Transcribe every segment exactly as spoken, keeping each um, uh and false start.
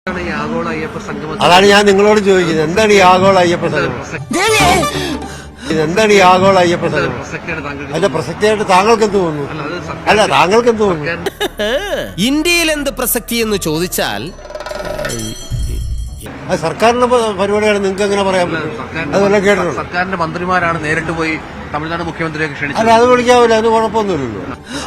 അതാണ് ഞാൻ നിങ്ങളോട് ചോദിക്കുന്നത്. എന്താണ് ഈ ആഗോള അയ്യപ്പ സംഗമം? എന്താണ് ഈ ആഗോള അയ്യപ്പ സംഗമം? അതിന്റെ പ്രസക്തിയായിട്ട് താങ്കൾക്ക് എന്ത് തോന്നുന്നു? അല്ല, താങ്കൾക്ക് എന്ത് തോന്നുന്നു? ഇന്ത്യയിൽ എന്ത് പ്രസക്തി എന്ന് ചോദിച്ചാൽ അത് സർക്കാരിന്റെ പരിപാടിയാണ്. നിങ്ങൾക്ക് എങ്ങനെ പറയാൻ പറ്റും? അതെല്ലാം കേട്ടിട്ടുണ്ട്. സർക്കാരിന്റെ മന്ത്രിമാരാണ് നേരിട്ട് പോയി തമിഴ്നാട് മുഖ്യമന്ത്രിയൊക്കെ ക്ഷണിച്ചത്. അല്ല, അത് വിളിക്കാവില്ല, അതിന് കുഴപ്പമൊന്നുമില്ലല്ലോ.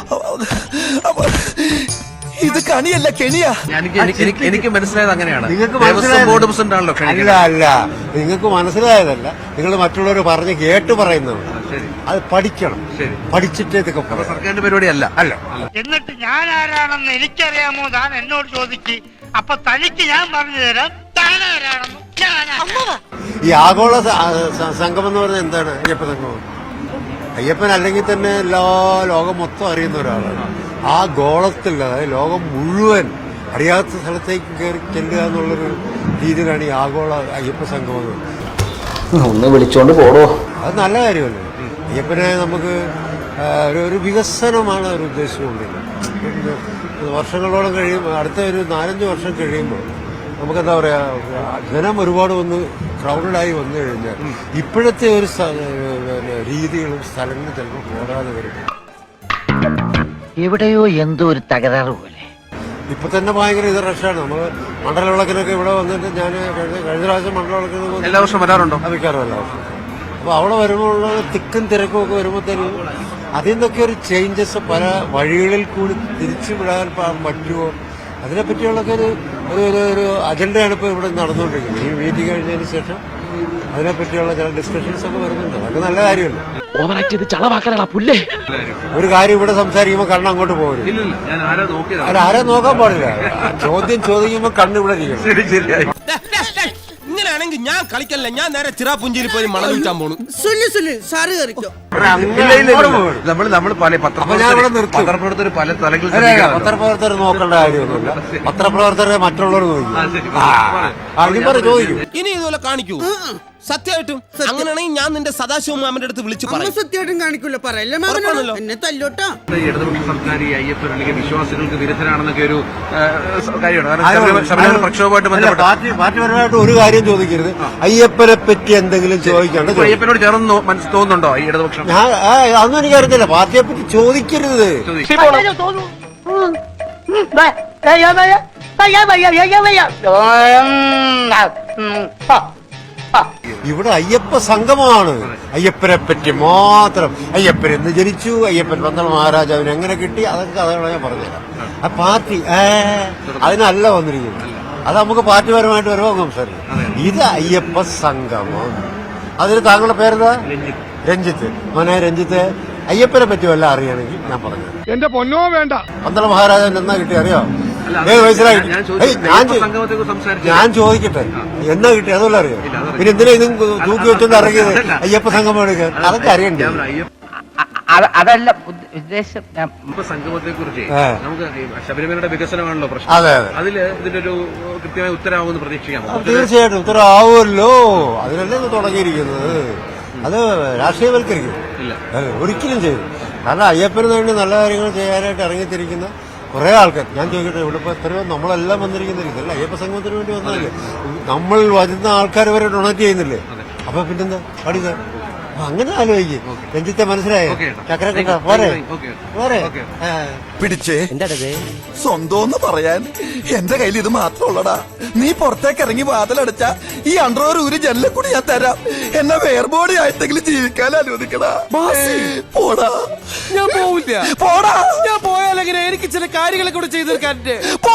ഇത് കണിയല്ല കെണിയാ. എനിക്ക് മനസ്സിലായത് അങ്ങനെയാണ്. നിങ്ങൾക്ക് ബോർഡ് പ്രസിഡന്റ് ആണല്ലോ. അല്ല അല്ല നിങ്ങൾക്ക് മനസ്സിലായതല്ല, നിങ്ങൾ മറ്റുള്ളവർ പറഞ്ഞ് കേട്ട് പറയുന്നതാണ്. അത് പഠിക്കണം, പഠിച്ചിട്ടേ ഇതൊക്കെ. സർക്കാരിന്റെ പരിപാടി അല്ല അല്ല എന്നിട്ട് ഞാൻ ആരാണെന്ന് എനിക്കറിയാമോ താൻ എന്നോട് ചോദിക്ക്. അപ്പൊ തനിക്ക് ഞാൻ പറഞ്ഞു തരാം താൻ ആരാണെന്ന്. ഈ ആഗോള സംഗമം എന്ന് പറഞ്ഞാൽ എന്താണ്? അയ്യപ്പ സംഗമം. അയ്യപ്പൻ അല്ലെങ്കിൽ തന്നെ എല്ലാ ലോകം മൊത്തം അറിയുന്ന ഒരാളാണ്. ആ ഗോളത്തിൽ, അതായത് ലോകം മുഴുവൻ അറിയാത്ത സ്ഥലത്തേക്ക് കയറി ചെല്ലുക എന്നുള്ളൊരു രീതിയിലാണ് ഈ ആഗോള അയ്യപ്പ സംഗമം. ഒന്ന് വിളിച്ചോണ്ട് പോടോ. അത് നല്ല കാര്യമല്ലേ? അയ്യപ്പനെ നമുക്ക് ഒരു ഒരു വികസനമാണ് ഒരു ഉദ്ദേശിച്ചുകൊണ്ടിരുന്നത്. വർഷങ്ങളോളം കഴിയുമ്പോൾ, അടുത്ത ഒരു നാലഞ്ച് വർഷം കഴിയുമ്പോൾ നമുക്കെന്താ പറയാ, ജനം ഒരുപാട് വന്ന് ക്രൗഡായി വന്നു കഴിഞ്ഞാൽ ഇപ്പോഴത്തെ ഒരു രീതികളും സ്ഥലങ്ങളും ചിലപ്പോൾ പോരാതെ വരും. എവിടെയോ എന്തോ ഒരു തകരാറ് പോലെ. ഇപ്പൊ തന്നെ ഭയങ്കര ഇത് റഷാണ്. നമ്മള് മണ്ഡലവിളക്കിനൊക്കെ ഇവിടെ വന്നിട്ട് ഞാൻ കഴിഞ്ഞ കഴിഞ്ഞ പ്രാവശ്യം മണ്ഡലവിളക്കിന് എല്ലാ വർഷവും വരാറുണ്ടോ? വിൽക്കാറും എല്ലാ വർഷം. അപ്പൊ അവിടെ വരുമ്പോൾ തിക്കും തിരക്കും ഒക്കെ വരുമ്പോഴത്തേനും അതിൽ നിന്നൊക്കെ ഒരു ചേഞ്ചസ് പല വഴികളിൽ കൂടി തിരിച്ചു വിടാൻ പറ്റുമോ, അതിനെപ്പറ്റിയുള്ളൊക്കെ ഒരു ഒരു ഒരു അജണ്ടയാണ് ഇപ്പോൾ ഇവിടെ നടന്നുകൊണ്ടിരിക്കുന്നത്. ഈ മീറ്റിംഗ് കഴിഞ്ഞതിന് ശേഷം അതിനെപ്പറ്റിയുള്ള ചില ഡിസ്കഷൻസ് ഒക്കെ വരുന്നുണ്ട്. അതൊക്കെ നല്ല കാര്യമല്ല. ഒരു കാര്യം ഇവിടെ സംസാരിക്കുമ്പോൾ കണ്ണ് അങ്ങോട്ട് പോകരുത്. അല്ല, ആരെ നോക്കാൻ പാടില്ല. ചോദ്യം ചോദിക്കുമ്പോൾ കണ്ണ് ഇവിടെ ഇരിക്കണം. ഇങ്ങനെയാണെങ്കിൽ ഞാൻ കളിക്കല്ല, ഞാൻ നേരെ ചിറാപുഞ്ചിയിൽ പോയി മണം വിൽക്കാൻ പോണു. നമ്മൾ നമ്മൾ പല പത്രപ്രവർത്തകർ പല തലങ്ങളിൽ പത്രപ്രവർത്തകർ നോക്കേണ്ട കാര്യമൊന്നുമില്ല. പത്രപ്രവർത്തകരെ മറ്റുള്ളവർ നോക്കും. ചോദിക്കും. ഇനി ഇതുപോലെ കാണിക്കൂ സത്യമായിട്ടും. അങ്ങനെയാണെങ്കിൽ ഞാൻ നിന്റെ സദാശിവ മാമന്റെ അടുത്ത് വിളിച്ചു പറയും. സത്യമായിട്ടും കാണിക്കൂല, പറയല്ലേ എന്നെ തല്ലോട്ടാ. ഇടതുപക്ഷ സർക്കാർ ഈ അയ്യപ്പൻ അല്ലെങ്കിൽ വിശ്വാസികൾക്ക് വിരുദ്ധരാണെന്നൊക്കെ ഒരു കാര്യമാണ്. പ്രക്ഷോഭമായിട്ട് ബന്ധപ്പെട്ട പാർട്ടിപരമായിട്ട് ഒരു കാര്യം ചോദിക്കരുത്. അയ്യപ്പനെ പറ്റി എന്തെങ്കിലും ചോദിക്കാണ്ട് അയ്യപ്പനോട് ചേർന്ന് തോന്നുന്നുണ്ടോ ഈ ഇടതുപക്ഷം? അതൊന്നും എനിക്കറിയത്തില്ല. പാർട്ടിയെ പറ്റി ചോദിക്കരുത്. ഇവിടെ അയ്യപ്പ സംഗമമാണ്. അയ്യപ്പനെ പറ്റി മാത്രം. അയ്യപ്പൻ എന്ന് ജനിച്ചു, അയ്യപ്പൻ പന്തളം മഹാരാജാവിന് എങ്ങനെ കിട്ടി, അതൊക്കെ അതാണ് ഞാൻ പറഞ്ഞുതരാം. ആ പാർട്ടി ഏ അതിനല്ല വന്നിരിക്കുന്നത്. അത് നമുക്ക് പാർട്ടിപരമായിട്ട് വരുമോ സംസാരിക്കും. ഇത് അയ്യപ്പ സംഗമം. അതിന് താങ്കളുടെ പേരെന്താ? രഞ്ജിത്ത്. മോനെ രഞ്ജിത്ത്, അയ്യപ്പനെ പറ്റി വല്ല അറിയണമെങ്കിൽ ഞാൻ പറഞ്ഞു. എന്റെ പൊന്നോ വേണ്ട. പന്തളം മഹാരാജാവിന് എന്നാ കിട്ടി അറിയോ? ഏത് വയസ്സിലായി? ഞാൻ ചോദിക്കട്ടെ, എന്നാ കിട്ടി അതുപോലെ അറിയാം. പിന്നെ എന്തിനാ ഇതും തൂക്കി വെച്ചോണ്ട് ഇറങ്ങിയത് അയ്യപ്പ സംഗമം എടുക്കാൻ? അതൊക്കെ അറിയണ്ടേ? അതല്ല ഉദ്ദേശം. സംഗമത്തെ കുറിച്ച് നമുക്ക് ശബരിമലയുടെ വികസനമാണല്ലോ പ്രശ്നം. അതെ അതെ, അതില് ഇതിന്റെ ഒരു കൃത്യമായ ഉത്തരവാകുമെന്ന് പ്രതീക്ഷിക്കാം. തീർച്ചയായിട്ടും ഉത്തരവാകുമല്ലോ. അതിനല്ലേ ഇത് തുടങ്ങിയിരിക്കുന്നത്. അത് രാഷ്ട്രീയവൽക്കരിക്കും ഒരിക്കലും ചെയ്തു. കാരണം അയ്യപ്പന് വേണ്ടി നല്ല കാര്യങ്ങൾ ചെയ്യാനായിട്ട് ഇറങ്ങിത്തിരിക്കുന്ന കുറെ ആൾക്കാർ. ഞാൻ ചോദിക്കട്ടെ, ഇവിടെ ഇപ്പൊ എത്രയോ നമ്മളെല്ലാം വന്നിരിക്കുന്നില്ല. ഇതല്ല അയ്യപ്പ സംഗമത്തിന് വേണ്ടി വന്നതല്ലേ. നമ്മൾ വരുന്ന ആൾക്കാർ വരെ ഡൊണേറ്റ് ചെയ്യുന്നില്ലേ? അപ്പൊ പിന്നെന്താ പഠിക്ക? അങ്ങനെ ആലോചിക്കും. രഞ്ജിത്തെ മനസ്സിലായോ? ചക്രക്കട്ട പോരെ പോരെ പിടിച്ചേ. സ്വന്തം പറയാൻ എന്റെ കയ്യിൽ ഇത് മാത്രമുള്ളടാ. നീ പുറത്തേക്ക് ഇറങ്ങി വാതിലടച്ച ഈ അണ്ടർവെയർ ഊരി ജനലിൽ കൂടി ഞാൻ തരാം. എന്നെ വേർബോഡി ആയിട്ടെങ്കിലും ജീവിക്കാൻ അനുവദിക്കടാ. പോടാ. ഞാൻ പോവില്ല. പോടാ. ഞാൻ പോയാലെങ്ങനെ? എനിക്ക് ചില കാര്യങ്ങളെ കൂടെ ചെയ്തു തീർക്കാൻ.